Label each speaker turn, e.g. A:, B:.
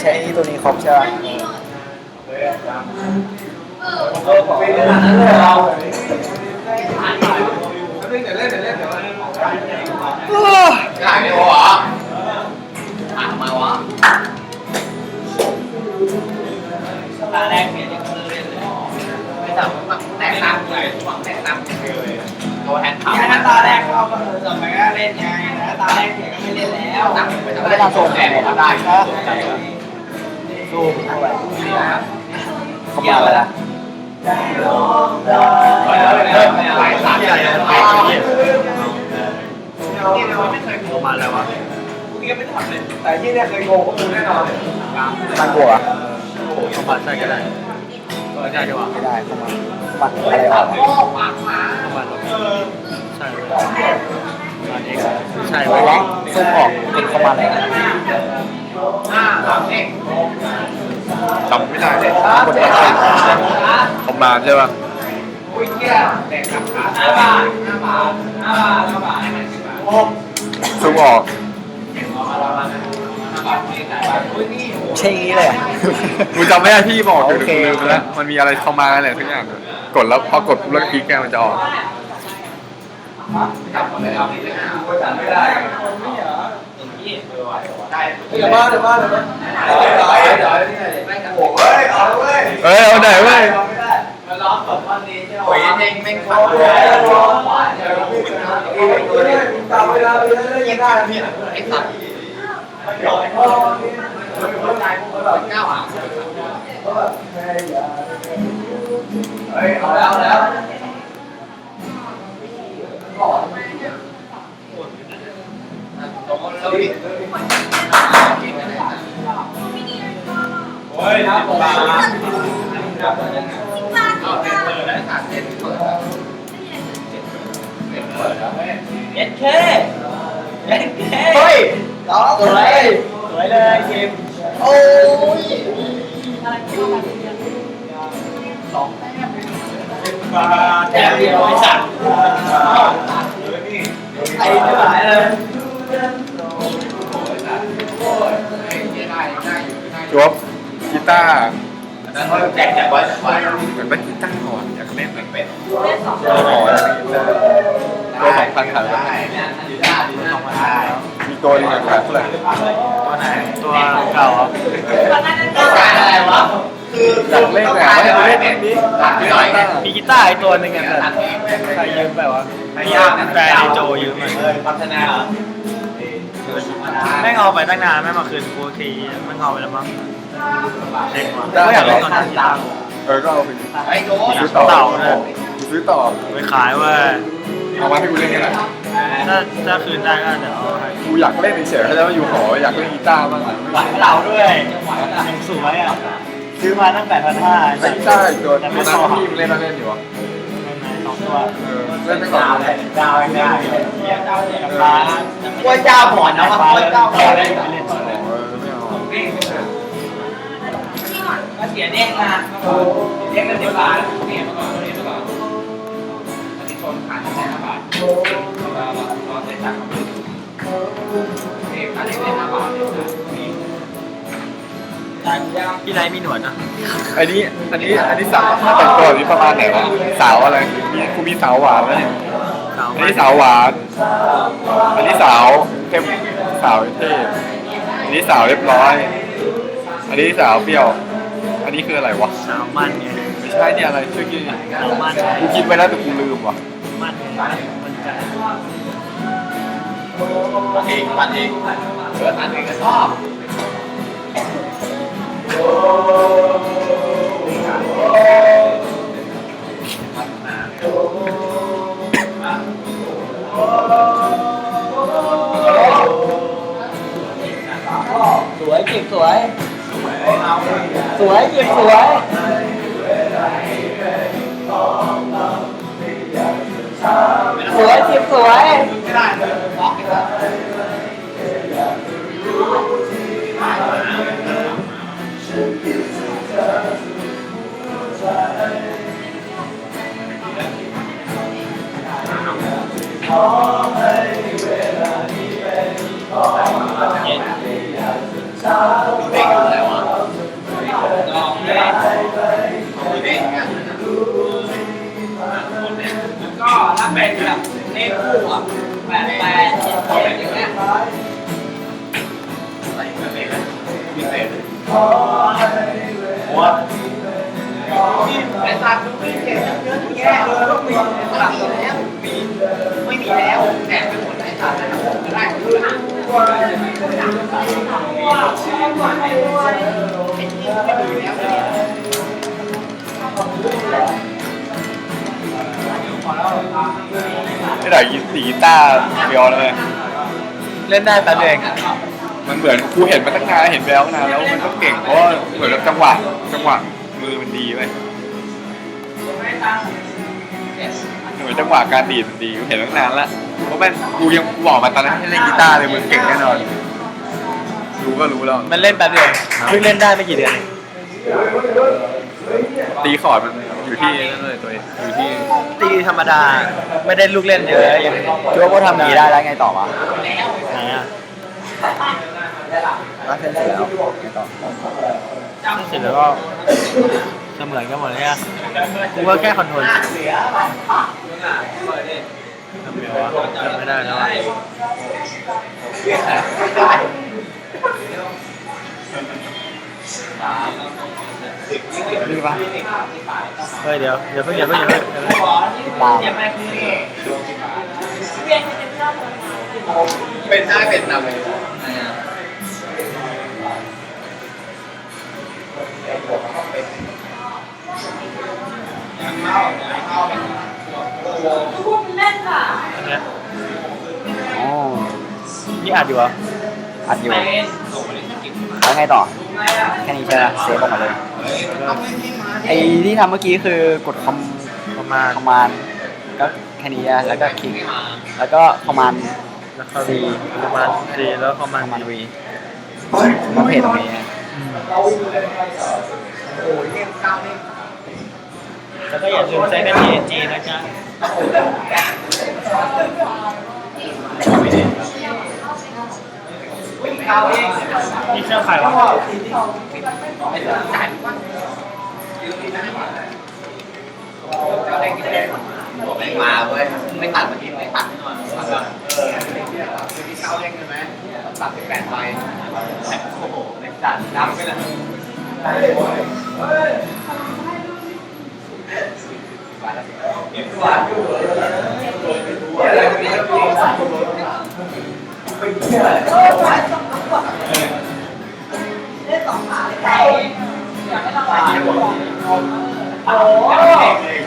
A: ช้ตัวนี้ครบใช่ไหม
B: ได้ไม่พอเหรอทำไมวะตาแรกเนี่ยยังเล่นเลยไม่จับมันแตกต่างเลยหวังแตกต่างเลยตัวแทนขาวถ้าตาแรกเข้าก็จะไม่ก็เล่นไงนะตาแรกเนี่ยก็ไม่เล่นแล้วไม่ได้ส่งแดงก็ได้สู้เข้าไปเกี่ยวไปละหลายสามอย่างไม่เคยโกงมาแล้ววะพวกนี้ไม่ทำเลยแต่ที่เนี่ยเคยโกงก็คือแน่นอน
A: ตั้งบัว
C: เข้ามาใช่ก็ได้ก็ได้ดีกว่า
A: ไม่ได้เข้ามาปัดอะไรวะ
C: เข้ามาใช่อันนี้ใช่ไว้
A: แล้วซุ่มออกเป็นเข้ามาเลย
C: จำไม่ได้เลยประมาณใช่ป่ะซุ่มออก
A: ใช่งี้เลย
C: กูจำไม่ได้ที่บอกอยู่ลืมไปแล้วมันมีอะไรเข้ามาอะไรทุกอย่างกดแล้วพอกดปุ๊บแล้วคลิกแกมันจะออก
B: เดี๋ยวมา
C: เอาไหนเว้ย
B: โอ้ยเองไม่ขัดตามเวลาไปเลยยังได้เนี่ยไอ้สัตว์ก้าวหาเฮ้ยเอาแล้วโอ้ยนะผมมาเอาเปิดแล้วขาดเส้นเปิดแล้วเปิดแล้วเอ็ดเคเฮ้ยสวยเลยเกมโอ้ยแต้มเดียวไอ้สัตว์ไอ้ไม่ไหวเลย
C: จวบกีตาร์
B: แจกไว้
C: เหมือนเป็นกีตาร์ก่อนอยากเล่นเป็นตัว2,000ขายได้มีตัวนึงขายเท่าไหร่
A: ตัวไหนตัวเก่า
B: อะไรวะคือ
C: อยากเล่นแต่ไม่เล่นนี้
A: มีกีตาร์ไอตัวนึงอ่ะใครยืมไปวะแฟนไอโจยืมมา
B: พัฒนา
A: แม่งเอาไปตั้งนานแม่งมาคืนกูทีมันเอาไปแล้วมั้งเด็กว่ะก็อยากเล่นตอนนั้น
C: ก็เอาไป
B: ไอ้โจ
C: ซื้อต่อซื้อต่อ
A: ไปขายว่า
C: เอามาให้กูเล่นกันแหละ
A: ถ้าคืนได้ก็เดี๋ยวเอาให้
C: กูอยากเล่นเฉยๆแล้วอยู่หออยากเล่นกีตาร์บ้าง
A: หวานเราด้วยยังสวยอ่ะซื้อมาตั้ง8,500
C: กีตาร์อีกตัวนั้นพี่มึงเล่นแล้วเล่นอยู่วะ
A: 2 ตัว
C: เล่นไม่ก่อน
B: ดาวได้ร้านกล้วยเจ้าหมอนนะว่ากล้วยเจ้าหมอนเลยก็เสียเด้งนะเด้งกันเดี๋ยวบาทเนี่ยเมื่อก่อนอันนี้ชนขาดแค่5 บาทเราใช้ตังค์เนี่ยอันนี้ได้5 บาท
A: พี่ไรมีหนวดนะ
C: อันนี้สาวแต่งตัวนี้ประมาณไหนวะสาวอะไรกูมีสาวหวานแล้วเนี่ยอันนี้สาวหวานอันนี้สาวเข้มสาวเท่อันนี้สาวเรียบร้อยอันนี้สาวเปรี้ยวอันนี้คืออะไรวะ
A: สาวมันไง
C: ไม่ใช่เนี่ยอะไรช่วยกิน
A: สาวมัน
C: กูกินไปแล้วแต่กูลืมว่ะ
A: มันใจ
B: มันเองอันนี้ก็ชอบสวยเก็บสวยสวยเก็บสวยสวยเก็บสวยไม่ได้เลยบล็อกเด็กอยู่แล้วอ่ะเป็นแบบเลขคู่อ่ะ88แบบอย่างเงี้ยพิเศษไอ้สัตว์ดูไม่เห็นเยอะแยะเลยต้องมีแล้วไม่มีแล้วแอบไปหมดไอ้สัตว์จะได้คือนะ
C: ไม่ได้ยินสีกีตาร์เดียวเลย
A: เล่นได้แป๊บเดียวเอง
C: มันเหมือนกูเห็นมาตั้งนานเห็นไปแล้วนานแล้วมันต้องเก่งเพราะว่าเหมือนกับจังหวะมือมันดีไปเหมือนจังหวะการดีดมันดีกูเห็นตั้งนานแล้วเพราะแม่งกูบอกมาตอนนั้นให้เล่นกีตาร์เลยมึงเก่งแน่นอนรู้ก็รู้แล้ว
A: มันเล่นแป๊บเดียวเพิ่งเล่นได้ไม่กี่เดือนเอง
C: ตีคอร์ดมันอยู่ที่นั่นเลยตัวเองอยู่ที่
A: ตีธรรมดาไม่ได้ลูกเล่นเยอะยัง
D: คิดว่าพวกทำดีได้แล้วไงต่อวะ
A: ไหนอ่ะ
D: รักเส้นเสร็จแล้วไงต่อ
A: เสร็จแล้วก็เสมือนกันหมดเลยอ่ะกูว่าแค่คอนโทรลทำไงวะจำไม่ได้แล้วอะ
D: นี่ปะ
A: เฮ้ยเดี๋ยวเพิ่ง
D: ตาม
C: เป็นได้เป็นนำเลย
A: อันเนี้ย
D: อ๋อ
A: นี่อัดอยู่เหรอ
D: อัดอยู่แล้วไงต่อแค่นี้ใช่ไหมเซฟออกมาเลย
A: แล้วก็
D: ไอ้ที่ทำเมื่อกี้คือกดคอม
A: ประมาณ
D: คอมมานด์ก็แค่นี้อะแล้วก็คลิกแล้วก็คอมมานด์
A: แล้วก็ประมาณ4แล้วประมาณ
D: คอมมานด์วีก็เพจตรงนี้
A: แล้วก็อย่าลืมใช้เป็น TNG นะจ๊ะนี่เครื่องใครวะ
B: ไม่มาเว้ยไม่ตัดเมื่อกี้ไม่ตัดแน่นอนคือที่เข้าเด้งใช่ไหมตัด18ใบโอ้โหเล็กจัดนับไปเลยโอ้